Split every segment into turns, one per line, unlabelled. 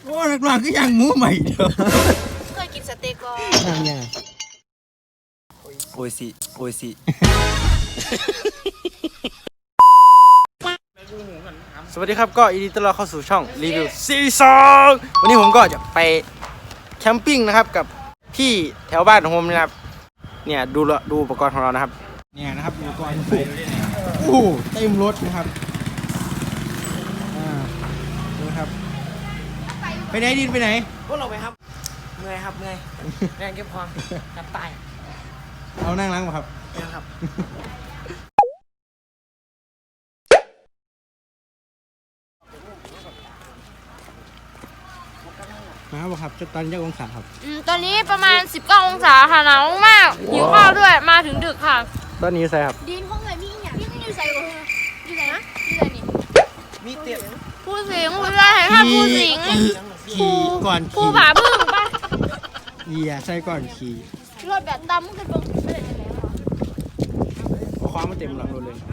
โอ้นักร้องก็ยังหมูใหม่เด้อ
เคยกินสเต็กก็
ทำยัง
โอ้ยสิโอ้ยสิสวัสดีครับก็ยินดีต้อนรับเข้าสู่ช่องรีวิวซีซั่นวันนี้ผมก็จะไปแคมปิ้งนะครับกับพี่แถวบ้านของผมนะครับเนี่ยดูอุปกรณ์ของเรานะครับเนี่ยนะครับอุปกรณ์ไปโอ้เต็มรถนะครับดูครับไปไหนดินไปไหน
พวกเราไปครับเมื่อยครับเมื่อยแรงเก็บความกับตาย
เอานั่งล้างมาครับ
นะครับ
มาบอกครับตอนนี้องศาครับ
ตอนนี้ประมาณ19องศาค่ะหนาวมากหิวข้าวด้วยมาถึงดึกค่ะ
ตอนนี้ใส่ครับ
ดินห้องเลยมีอย่างนี่อยู่ใส่บ่อยู่ไหนนะอยู่ไหนนี่
มีเตี้ย
ผู้สิงผู้ชายค่ะผู้สิง
ขี่ก่อน
ผู้
ขี่
ผาพึ่งป่ะ
ใส่ก่อนขี่
รถแบบดำกันบ่ไม่ได้จะแล้ว
เอาคว้ามาเต็มหลังรถเลย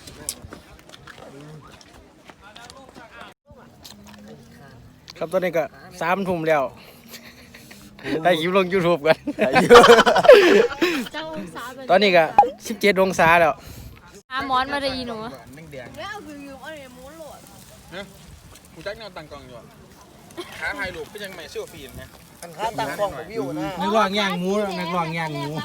ครับตอนนี้ก็3 ทุ่มแล้วได้คลิปลง YouTube กันตอนนี้ก็17 องศาแล้ว
หาหมอนมาได้อีหนู
แล้วคืออยู่อะไรม้วนโหลดนะกูจักแนวตังกล่องอยู่ขาไทยลูกก็ยังไม่เชื่อฟีนนะขาตังกล่องกับวิวนะ
นักร้องย่างหมูนักร้องย่างหมู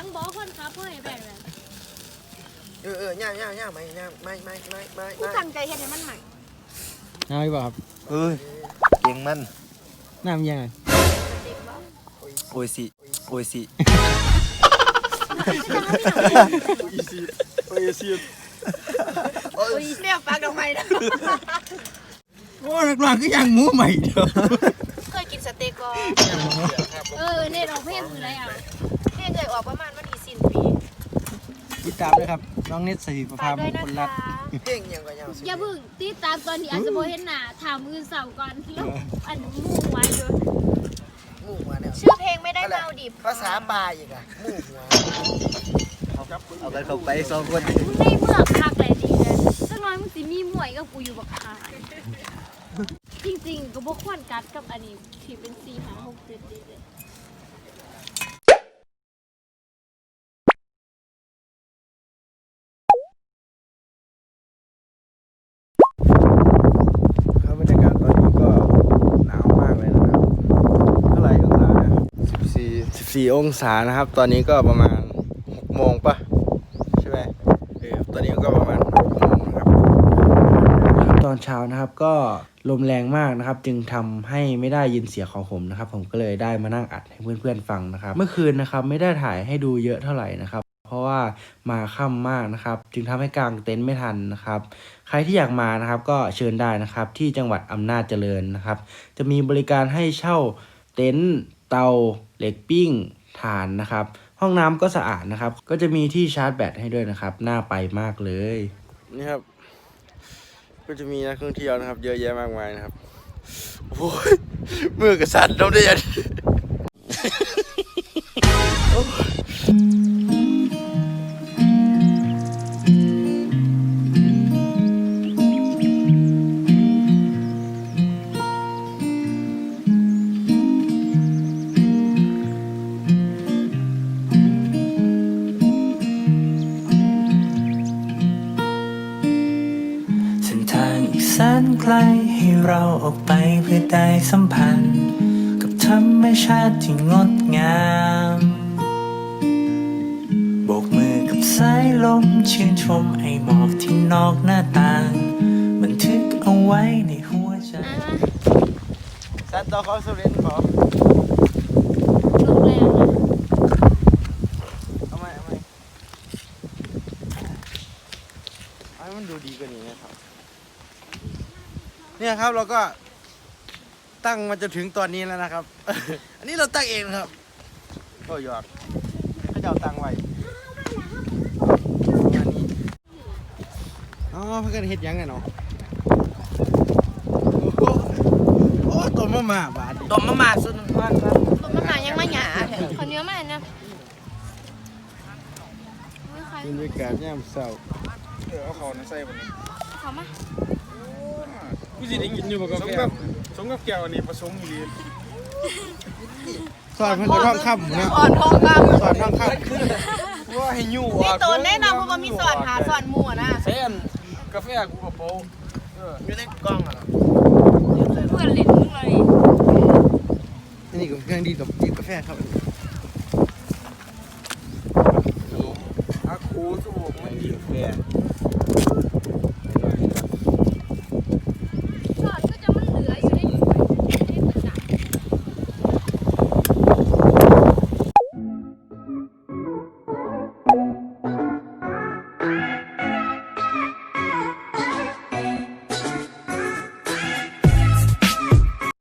ย่างไม่
กูตั้งใจเฮ็ดให้มันใหม่
น้ำป่ะครับ
เก่งมัน
น้ำยังไง
โอ้ยสิโอ้ยสิ
โอ้ยเนี่ยปากดอกไม้นะ
โอ้นักร้องก็ยังหมูใหม่เด้อ
เคยกินสเต็กก็
เน็ตออกเพลงมือไรอ่ะ
เพลงเคยออกประมาณวันที่สิ้นปี
ติดตามด้วยครับน้องเน็ตสถิตประภาพมงคลรัตน์
เพลงยังก็ยัง
อย่าเพิ่งติดตามตอนนี้อาจจะโบเห็นหน้าถามมือเสาก่อนแล้วอันมู่ไว้ด้วย
มู่หัวเนี่ย
ชื่อเพลงไม่ได้เมาดิบ
ภาษาปลายอีกอะมู่หัว
เอาไปเข้าไป2 คน
ในเมืองพักเลยดีเลยสักน้อยมึงสิมีมวยกับกูอยู่บักคายจริงๆก็บ่ควรกัดกับอันนี้ที่เป็น4 5 6 7ดีเลย
บรรยากาศตอนนี้ก็หนาวมากเลยนะครับเท่าไหร่องศานะ14 องศานะครับตอนนี้ก็ประมาณ6 โมงป่ะใช่ไหมตอนนี้ก็ประมาณ6 โมงนะครับตอนเช้านะครับก็ลมแรงมากนะครับจึงทำให้ไม่ได้ยินเสียงของผมนะครับผมก็เลยได้มานั่งอัดให้เพื่อนๆฟังนะครับเมื่อคืนนะครับไม่ได้ถ่ายให้ดูเยอะเท่าไหร่นะครับเพราะว่ามาค่ำมากนะครับจึงทำให้กางเต็นท์ไม่ทันนะครับใครที่อยากมานะครับก็เชิญได้นะครับที่จังหวัดอำนาจเจริญนะครับจะมีบริการให้เช่าเต็นท์เตาเหล็กปิ้งถ่านนะครับห้องน้ำก็สะอาดนะครับก็จะมีที่ชาร์จแบตให้ด้วยนะครับน่าไปมากเลยนี่ครับก็จะมีนักท่องเที่ยวนะครับเยอะแยะมากมายนะครับโอ้ยมือกระสันน้ำได้ยัง
แสนไกลให้เราออกไปเพื่อได้สัมพันธ์กับธรรมชาติที่งดงามโบกมือกับสายลมชื่นชมไอหมอกที่นอกหน้าต่างบันทึกเอาไว้ในหัวใจ
สันต่อเขาสุรินทร์ขอ
ลมแรงนะ
เอาไหมให้มันดูดีกว่านี้นะครับเนี่ยครับเราก็ตั้งมาจนถึงตอนนี้แล้วนะครับ อันนี้เราตั้งเองนะครับก็หยอดเขาจะเอาตั้งไว้งานนี้อ๋อเพื่อนเฮ็ดยังไงเนาะโอ้ต้มมาบาด
ต้มมาสุดมากครับ
ต้มมายังไม่หยาคนเยอะมากนะ
บรรยากาศยามเช้า
เอาเขาใส่บนนี้
เขามา
กูสิได้กินอยู่บ่กาแฟสมกับแก้วนี่ผสมดี
สอนเพิ่นก็ท่องคำนะ
อ่อนทองคำ
สอนท่องค
ว่าให้ยู่
นี่ตัวแน่นอนเพราะว่ามีสอนหาสอนหมู่อะนะ
เส้นกาแฟกูกับโป๊อยู่ในกล้องอ่ะ
เพื่อนเล่นมึงเลย
ำนี่ก็เครื่องดีกับจิบกาแฟครับ
อาคูสูบ
เครื่องดีกาแฟ